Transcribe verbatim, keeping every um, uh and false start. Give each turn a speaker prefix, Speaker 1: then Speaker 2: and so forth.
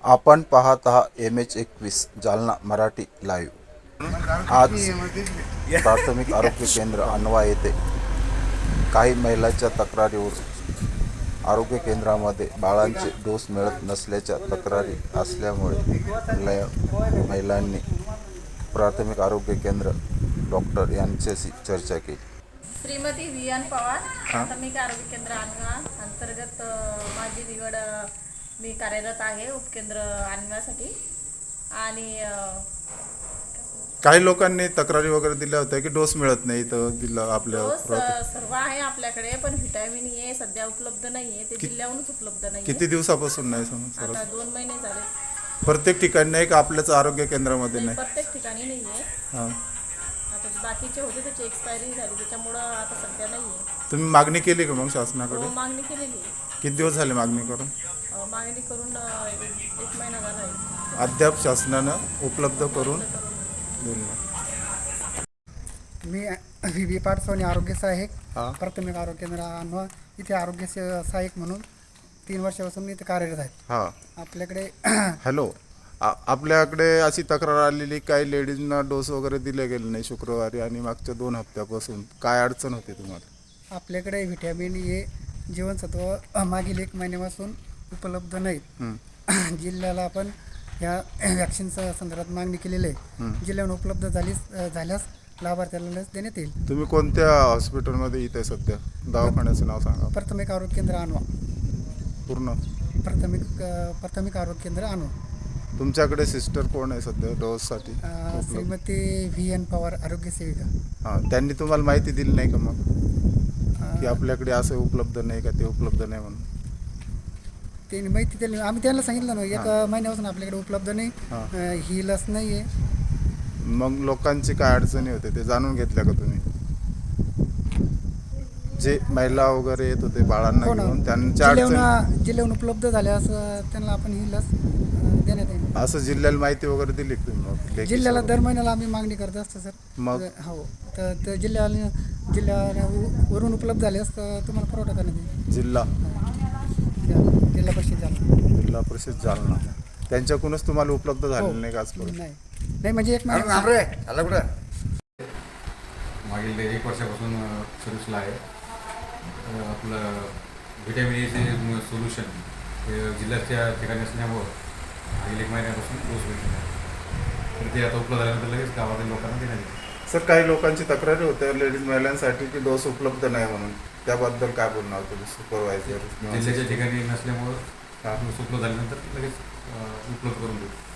Speaker 1: आपण पाहत आहात एम एच एकवीस जालना मराठी लाईव्ह. आज प्राथमिक आरोग्य केंद्र अनवा येथे काही महिलांच्या तक्रारीवर आरोग्य केंद्रामध्ये बाळांचे डोस मिळत नसल्याच्या तक्रारी असल्यामुळे लय- महिलांनी प्राथमिक आरोग्य केंद्र डॉक्टर यांच्याशी चर्चा केली.
Speaker 2: श्रीमती व्ही एन पवार, प्राथमिक आरोग्य केंद्र अनवा अंतर्गत अ, माझी निवड अ, मी कार्यरत आहे उपकेंद्र आणण्यासाठी. आणि अ,
Speaker 3: काही लोकांनी तक्रारी वगैरे दिल्या होत्या की डोस मिळत नाही इथं जिल्हा आपल्या
Speaker 2: डोस अ,
Speaker 3: प्राथमिक-
Speaker 2: सर्व आहे आपल्याकडे, पण व्हिटॅमिन ए सध्या उपलब्ध नाही आहे. ते जिल्ह्याहूनच उपलब्ध नाही
Speaker 3: किती दिवसापासून नाही समज सर?
Speaker 2: आता दोन महिने झाले.
Speaker 3: प्रत्येक ठिकाणी नाही का आपल्याच आरोग्य केंद्रामध्ये
Speaker 2: नाही,
Speaker 3: नाही?
Speaker 2: प्रत्येक ठिकाणी नाही आहे.
Speaker 3: हां.
Speaker 2: आता बाकीचे होते त्याची एक्सपायरी झाली, त्याच्यामुळं आता सध्या नाही आहे.
Speaker 3: तुम्ही मागणी केली का मग शासनाकडे?
Speaker 2: मागणी केलेली आहे.
Speaker 3: किती दिवस झाले मागणी करून?
Speaker 2: अ, मागणी करून अ, एक एक महिना झाला आहे.
Speaker 3: अद्याप शासनानं उपलब्ध करून दिलं नाही.
Speaker 4: मी व्ही बी पाटसोनी आरोग्य सहाय्यक,
Speaker 3: हां.
Speaker 4: प्राथमिक आरोग्य केंद्र अनवा इथे आरोग्य स- सहाय्यक म्हणून तीन वर्षापासून मी इथे कार्यरत आहे.
Speaker 3: हां.
Speaker 4: आपल्याकडे
Speaker 3: हॅलो. आ- आपल्याकडे अशी तक्रार आलेली काही लेडीजना डोस वगैरे दिले गेले नाही शुक्रवारी आणि मागच्या दोन हप्त्यापासून काय अडचण होती तुम्हाला?
Speaker 4: आपल्याकडे व्हिटॅमिन ए जीवनसत्व मागील एक महिन्यापासून उपलब्ध नाहीत.
Speaker 3: हं.
Speaker 4: जिल्ह्याला आपण ह्या वॅक्सिनच्या संदर्भात मागणी केलेली आहे. जिल्ह्यावर उपलब्ध झालीस झाल्यास लाभार्थ्याला लस देण्यात येईल.
Speaker 3: तुम्ही कोणत्या हॉस्पिटलमध्ये इथे सध्या? दवाखान्याचं नाव सांगा
Speaker 4: प्राथमिक आरोग्य केंद्र अनवा.
Speaker 3: पूर्ण.
Speaker 4: प्राथमिक अ, प्राथमिक आरोग्य केंद्र अनवा.
Speaker 3: तुमच्याकडे सिस्टर कोण आहे सध्या डोससाठी?
Speaker 4: अ, श्रीमती व्ही एन पवार आरोग्य सेविका.
Speaker 3: हां. त्यांनी तुम्हाला माहिती दिली नाही का मग
Speaker 4: अ,
Speaker 3: की आपल्याकडे असं उपलब्ध नाही का ते उपलब्ध नाही म्हणून?
Speaker 4: त्यांनी माहिती दिली. आम्ही त्यांना सांगितलं ना एक महिन्यापासून आपल्याकडे उपलब्ध नाही,
Speaker 3: हां.
Speaker 4: अ, ही लस नाही आहे.
Speaker 3: मग लोकांची काय अडचणी होते ते जाणून घेतल्या का तुम्ही? जे महिला वगैरे येत होते बाळांना
Speaker 4: हो ना,
Speaker 3: घेऊन त्यांच्या अडचणी
Speaker 4: जिल्ह्याहून जिल्ह्याहून उपलब्ध झाल्यास अ, त्यांना आपण ही लस अ, देण्यात येईल.
Speaker 3: असं जिल्ह्याला माहिती वगैरे दिली का तुम्ही मग लेखी
Speaker 4: जिल्ह्याला
Speaker 3: स्वरूपात?
Speaker 4: दर महिन्याला आम्ही मागणी करत असतो सर.
Speaker 3: मग?
Speaker 4: अ, हो तर तर जिल्ह्याला जिल्ह्याला उ- वरून उपलब्ध झाल्यास तर तुम्हाला पुरवठा करण्यात येईल.
Speaker 3: जिल्हा
Speaker 4: जिल्हा जिल्हा परिषद झाला
Speaker 3: जिल्हा परिषद जालना त्यांच्याकडूनच तुम्हाला उपलब्ध झालेलं नाही का आजपर्यंत?
Speaker 4: नाही नाही म्हणजे एक महिना
Speaker 5: मागील एक वर्षापासून सर्व्हिसला आहे. अ, आपलं व्हिटॅमिन एचे सोल्युशन हे जिल्ह्याच्या ठिकाणी असल्यामुळं मागील एक महिन्यापासून डोस भेटलेला आहे. तर ते आता उपलब्ध झाल्यानंतर लगेच गावातील लोकांना देण्यात येईल.
Speaker 3: सर काही लोकांची तक्रारी होत्या लेडीज महिलांसाठी की डोस उपलब्ध नाही म्हणून, त्याबद्दल काय बोलणार तुम्ही सुपरवायझर?
Speaker 5: जिल्ह्याच्या ठिकाणी नसल्यामुळं
Speaker 3: हां.
Speaker 5: डोस उपलब्ध झाल्यानंतर लगेच अ, उपलब्ध करून देऊ.